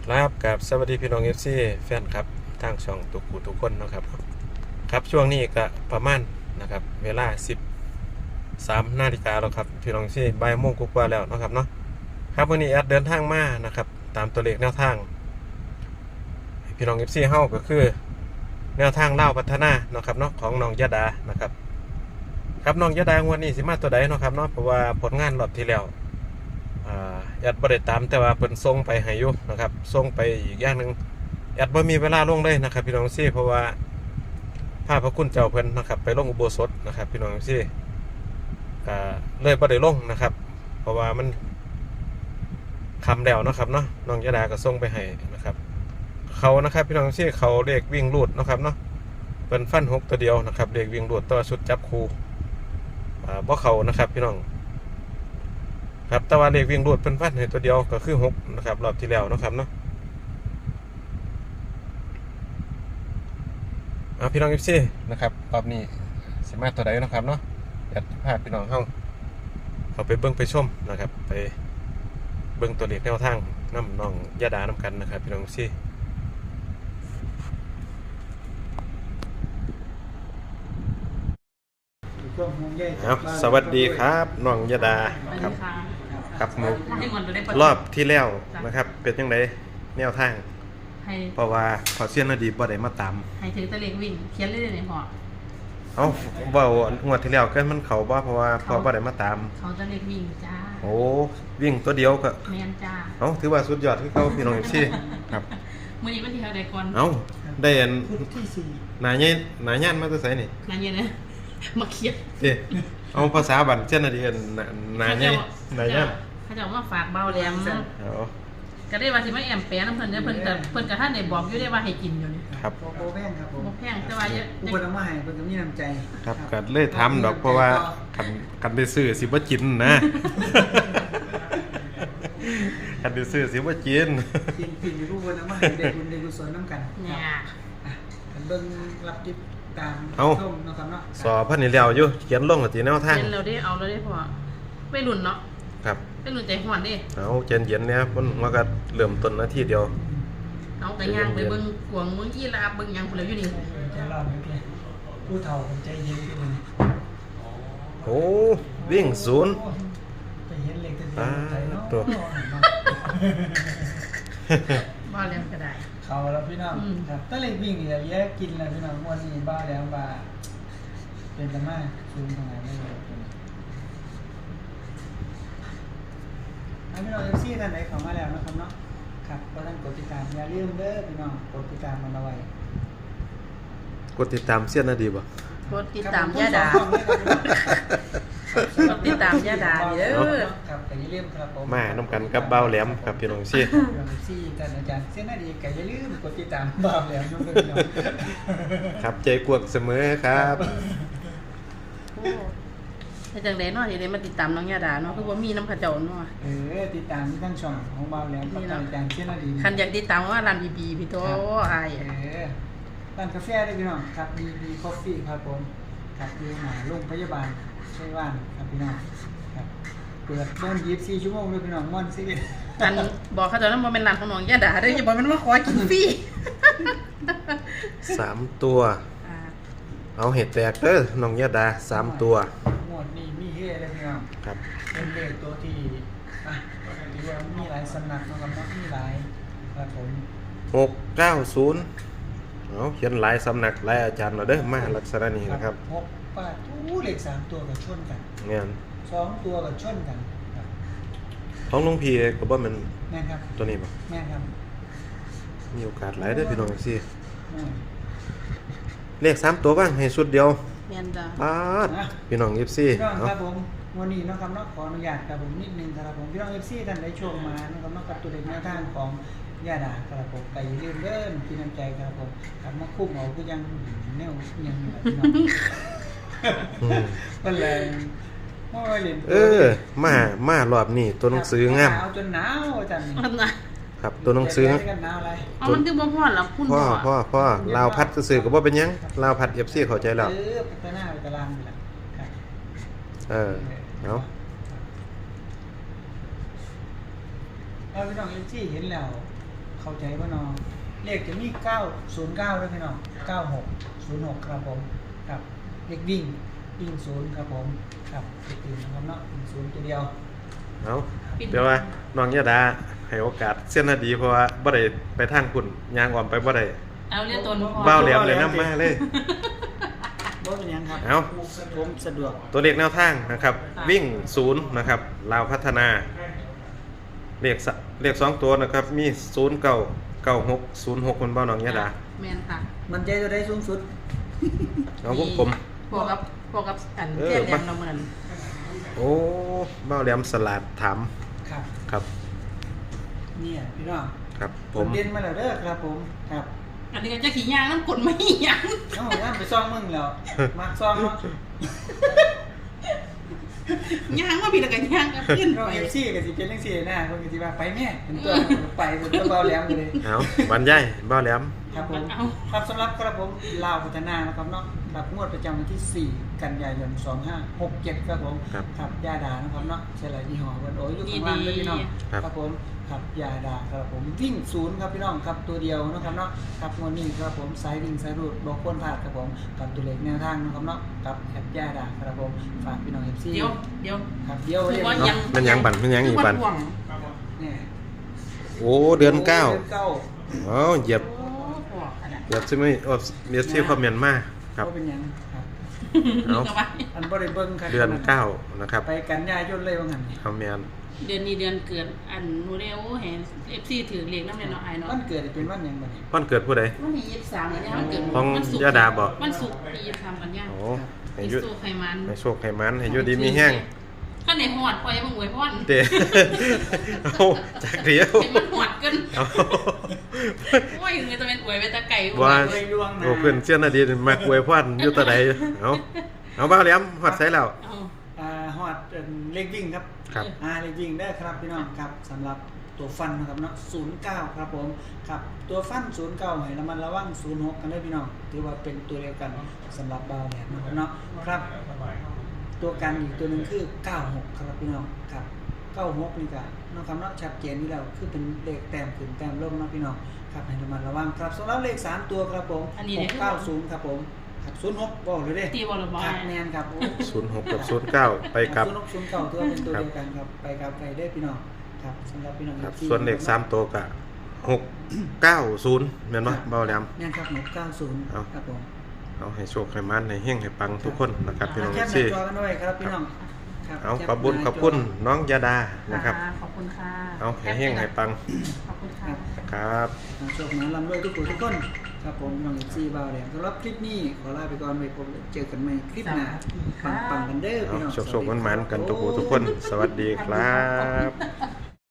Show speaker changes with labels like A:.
A: ครับกับสวัสดีพี่น้องเอฟซีแฟนครับทางช่องตุกกูทุกคนนะครับครับช่วงนี้ก็ประมาณนะครับเวลา13 นาฬิกาแล้วครับพี่น้องที่บ่ายโมงกว่าแล้วนะครับเนาะครับวันนี้แอดเดินทางมานะครับตามตัวเลขแนวทางพี่น้องเอฟซีเฮาก็คือแนวทางเล่าพัฒนานะครับเนาะของน้องยะดานะครับครับน้องยะดางวันนี้สิมาตัวใดเนาะครับเนาะเพราะว่าผลงานรอบที่แล้วแอดบ่ได้ตามแต่ว่าเพิ่นส่งไปให้อยู่นะครับส่งไปอีกอย่างหนึ่งแอดบ่มีเวลาลงเลยนะครับพี่น้องซี่เพราะว่าพระคุณเจ้าเพิ่นนะครับไปลงอุโบสถนะครับพี่น้องซี่เลยบ่ได้ลงนะครับเพราะว่ามันคำแล้วนะครับเนาะน้องยะดาก็ส่งไปให้นะครับเขานะครับพี่น้องซี่เขาเลขวิ่งรูดนะครับเนาะเป็นฟัน6ตัวเดียวนะครับเลขวิ่งรูดตัวชุดจับคู่บ่เขานะครับพี่น้องครับแต่ว่าเลขวิ่งรูดเป็นฟันให้ตัวเดียวก็คือ6นะครับรอบที่แล้วนะครับเนาะพี่น้องFCนะครับรอบนี้สิมาตัวใดนะครับเนาะอยากพาพี่น้องเขาไปเบิ่งไปชมนะครับไปเบิ่งตัวเลขแนวทางน้ำน้องยะดาน้ำกันนะครับพี่น้องFCสวัสดีครับน้องยะดาครับครับหมูรอบที่แล้วนะครับเป็นยังไงแนวทางเพราะว่าขอเสียนอดีตบ่ได้มาตาม
B: ให้ถือตะเล็กวิ่งเขียนเรื่อยๆในพอ
A: เว้างวดที่แล้วก็มันเขาบ่เพราะว่าพอบ่ได้มาตาม
B: เขาตะเล็กวิ่งจ้า
A: โอ้วิ่งตัวเดียวก็
B: แม่นจ้า
A: ถือว่าสุดยอดคือเขาพี่น้องซี่ครับ
B: มื้อนี้วันที่เท่าใดก่อน
A: ได้อันหน้าย่านมาตัวไสนี่
B: หน้าเย็นนะมาเขียน
A: สิภาษาบันเจ้านาดีหน้าย่าน
B: เขาจะมาฝากเบาแหลมก็ได้ว่าสิมาแอมแปะน้ำเพิ่นเพิ่นก็ท่านได้บอกอยู่ได้ว่าให้กินอยู่นี่
A: ครับ
C: บ่แพงครับผม
B: บ่แพงแต่ว่า
C: ผู้คนเอามาให้เพิ่นก็มีน้ำใจ
A: ครับก็เลยทำดอกเพราะว่าคันไปซื้อสิบ่กินนะคันไปซื้อสิบ่กิน
C: กินอยู่ผู้คนเอามาให้ได้บุญได้กุศลนำกัน
B: เนี่ย
C: กันเบิ่งรับติดตามชมเนาะครับเนาะ
A: สอบพันนี่แล้วอยู่เขียนลงกับที่แนวทาง
B: เขียนเราได้เอาเราได้พอไปรุ่นเนาะ
A: ครับ
B: เป็นรุ่นใจหวนดิ
A: เย็นเนี่ยมันก็เริ่มต้นนาทีเดียว
B: เอาไปย่างไปเบิ่งกวงเบิ่งอีลาเบิ่งหยังพุ่นแล้วอยู่นี่
C: ใจร้อนเลยผู้เฒ่าใจเย็นขึ้น
A: โอ้วิ่งศูนย์
C: ไปเห็นเลขใจเนาะ
A: ตัว
B: บ้าแล้วก็ได้
C: เขาแล้วพี่น้องครับถ้าเลขวิ่งนี่แยกกินแล้วพี่น้องวันนี้บ้าแล้วบ้าเป็นตะมาซูมทางไหนไม่รู้พี่น้องเอฟซีท่านไหนเข้ามาแล้วนะครับเนาะครับก็ท่านกดติดตามอย่าลืมเด้อพี่น้องกดติดตามมันเอาไว้
A: กดติดตามเสี้ยนนาดีบ่
B: กดติดตามยะดากดติดตามยะดาเด้อ
C: ครับแต่อย่าลืมครับผม
A: มาน้ำกันกับเบาแหลมครับพี่น้องซี่
C: พี่น้องซี่ท่านอาจารย์เสี้ยนนาดีก็อย่าลืมกดติดตามเบาแหลมน้องเด้อ
A: ครับใจกวกเสมอครับ
B: แต่จังได๋เนาะที่ได้มาติดตามน้องยาดาเนาะคือบ่มีน้ำเขาเจ้าเนาะ
C: ติดตามทั้งช่องของเบาแหลมกับอาจารย์เสี้ยนนาดี
B: คันอยากติดตามว่าร้านบีพี่โตอ้าย
C: ร้านกาแฟได้พี่น้องครับบีคอฟฟี่ครับผมครับอยู่หน้าโรงพยาบาลใช่ว่านครับพี่น้องครับเปิดเบิ่ง24 ชั่วโมงเลยพี่น้องม่วนซิ
B: อันบอกเขาเจ้านั้นบ่แม่นร้านของน้องยาดาเด้ออย่าบอกมันมาขอกินฟรี
A: 3ตัวเอาเห็ดแตกเด้อน้องยะดา3ตัว
C: หมวดนี้มีเฮเลยพี่น้อง
A: ครับ
C: เป็นเลขตัวที่ที่ว่ามีหลายสำนักนะครับเนาะมีหลายครับผม
A: 690เขียนหลายสำนักหลายอาจารย์เราเด้อมาลักษณะนี้นะครับ
C: 6 8เลข3ตัวก็ชนกัน
A: เนี่ย
C: 2ตัวก็ชนกันครับ
A: ของหลวงพี่ก็บ่แม่น
C: แม่นครับ
A: ตัวนี้บ่
C: แม่นครับ
A: มีโอกาสหลายเด้อพี่น้องซี่เลข3ตัวบ้างให้สุดเดียว
B: แม่นจ้
A: ะพี่น้อง FC
C: ครับผมวันนี้นะครับเนาะขออนุญาตครับผมนิดนึงครับผมพี่น้อง FC ท่านได้ชมมานะครับเนาะกับตัวเลขแนวทางของยาดาครับผมไปลืมเดินพี่น้ำใจครับผมครับมาคุ้มเอาก็ยังแนวยังแบบพี่น้องก็เลย
A: มารอบนี้ตัวหนังสืองาม
C: เอาจนหนาวอาจารย์
A: ครับตัวหนังสือ
B: มันคือบ่พอหรอกคุณ
A: พ่อลาวพัดซื่อก็บ่เป็นหยังลาวพัด FC เข้าใจแล้ว
C: ไปหน้าไปตารางนี่แหละ
A: เอา
C: พี่น้องเอฟซีเห็นแล้วเข้าใจว่าน้องเลขจะมี909ด้วยพี่น้อง9606ครับผมครับเลขวิ่ง0ครับผมครับเลขอื่นนะครับเนาะ0ตัวเดียว
A: เอาเดี๋ยวว่าน้องยะดาให้โอกาสเส้นนาดีเพราะว่าบ่ได้ไปทางคุณยางอ่อมไปบ่ได้
B: เอาเรียกตนพอ
A: เบ้าแหลมเลยนำมาเลย
C: บ่เป็นหยังครับ
A: เอา
C: ผมสะดวก
A: ตัวเลขแนวทางนะครับ วิ่ง0นะครับลาวพัฒนาเลข2ตัวนะครับมี099606คุณเบ้าน้องยะดา
B: แม่นค่ะ
C: มันใจตัวใดสูงสุด
A: น้องวงกลม
B: พวกกับอัน
A: เออ
B: เทียนแหลมเราเหมือน
A: โอ้เบ้าแหลมสลัดถาม
C: ครับ
A: ครับ
C: เนี่ยพี่น้อง
A: ครับผ
C: ผม มเรียนมาแล้วเด้อครับผมครับ
B: อันนี้ก็จะขี่ยางน้ำกลไม่ยาง
C: เอ้าย่ามไปซ่องมึงแล้วมักซ่องเนาะ
B: ยางว่าพี่ละกันยางก็ขึ้น
C: เรา
B: ไป
C: FC ก็สิเป็นจังซี่นะเพิ่นก็สิว่าไปแม่เป็นตัวไปเป็นตัวเบาแหลมเลย
A: เอาบรรยายเบ้าแหลม
C: ครับผม
B: เอา
C: ครับสำหรับกระผมลาวพัฒนานะครับเนาะครับงวดประจำวันที่ 4 กันยายน 2567ครับผม
A: ครับ
C: ครับยาดานะครับเนาะใช่หลายยี่ห้อเพิ่นโอ้ยอยู่ข้างล่างเลยพี่น้อง
A: ครับ
C: ครับผมครับยาดาครับผมวิ่ง0ครับพี่น้องครับตัวเดียวนะครับเนาะครับงวดนี้ครับผมสายวิ่งสายรูดบ่ควรพลาดครับผมกับตัวเลขแนวทางนะครับเนาะกับแอปยาดาครับผมฝากพี่น้อง FC
B: เดี๋ยว
C: ครับเดี๋ยว
B: คือว่า
C: เดี๋ยว
B: ยัง
A: มันยังบั่นมันยังอีกบั่น
B: ห่วง
C: เนี่ย
A: โอ้เดือนเก้า
C: เดือนเก้า
A: อ๋อเหยียบ
B: โอ้ห่วงขนาด
A: เหยียบใช่ไหมโอ้เมียที่คอมเมนต์มาครับ
C: ก็เป็นหยังครับ
A: เอา
B: เอาไว้
C: อันบ่ได้เบิ่งครับ
A: เดือนเก้านะครับ
C: ไปกันยายนเลยว่างั้น
A: คอมเมนต์
B: เดือนนี้เดือนเกิดอันนูเรโอเห็นFC ถือเลขน้ำเนี่ยเนาะไอ้เนาะ
C: วันเกิดเป็นวันหยังบัดนี้
A: วันเกิดผู้ใด
B: วันที่23เนี่ยมันเกิด
A: ของ
B: วันศุกร์
A: ยาดาบอก
B: วันศุกร์ปี23กันยา
A: โอ้ให้
B: ให้
A: ยุ
B: สู้ไขมัน
A: ให้โชคให้มันให้อยุดีมีแห้ง
B: ก็ในหอดปล่อยให้มันอวยพร
A: เตะ เอาจากเดียว
B: ให้มันหอดกัน
A: เอา
B: โอ้ยเงินจะเป็นอวยไปตะไก่อว
A: ว่า
B: ย
C: เลยดวงนะ
A: โอ้เพื่อนเชื่อนาดีมากอวยพรอยู่ตะใดเอาบ้าแหลมฮอดใส่แล้ว
B: เอา
C: ฮอดเลขวิ่งครับ
A: ครับ
C: เลขวิ่งได้ครับพี่น้องครับสำหรับตัวฟันนะครับเนาะ09ครับผมครับตัวฟัน09ให้ระมัดระวัง06กันด้วยพี่น้องถือว่าเป็นตัวเดียวกันสำหรับบาวแหลมนะครับเนาะครับ ตัวกันอีกตัวหนึงคือ96ครับพี่น้องครับ96นี่ก็น้องคำเนาะชัดเจนอยู่แล้วคือเป็นเลขแต้มขึ้นแต้มลงเนาะพี่น้องครับให้ระมัดระวังครับสำหรับเลข3ตัวครับผม690ครับผมครับ06บอกเลยเด้
B: ตีบอลบอ
C: ค
B: ล
C: รับแมนครับโอ้
A: 06กับ09ไปกับ
C: 0609ถือว่าเป็นตัวเดียวกันครับไปกับไปได้พี่น้องครับสำหรับพี่น้อง
A: ครับ
C: ที่
A: ส่วนเลข3ตัวก็690แม่นบ่บ้าแหลม
C: แม่นครับ690
A: เอา
C: ครับผม
A: เอาให้โชคให้มันให้เฮงให้ปังทุกคนนะครับพี่น้อง
C: แคปห
A: ซี่
C: น้าจอกันด้วยครับพี่น้องครับ
A: เอา
C: แป
A: ขอบคุญ
C: หน้า
A: ขอบคุณ
C: จ
A: น้องยาดานะครับ
B: ขอบคุณค่ะ
A: เอาให้เฮงให้ปัง
B: ขอบคุณค่ะ
A: ครับ
C: โชคดีลำด้วยทุกคนทุกคนครับผมน้องซีบาวแดงสำหรับคลิปนี้ขอลาไปก่อนไปพบเจอกันใหม่คลิปหน้าปังๆกันเด้อ
A: เอา
C: พี่น้อง
A: โชคๆมันๆกันทุกคนทุกคน สวัสดีครับ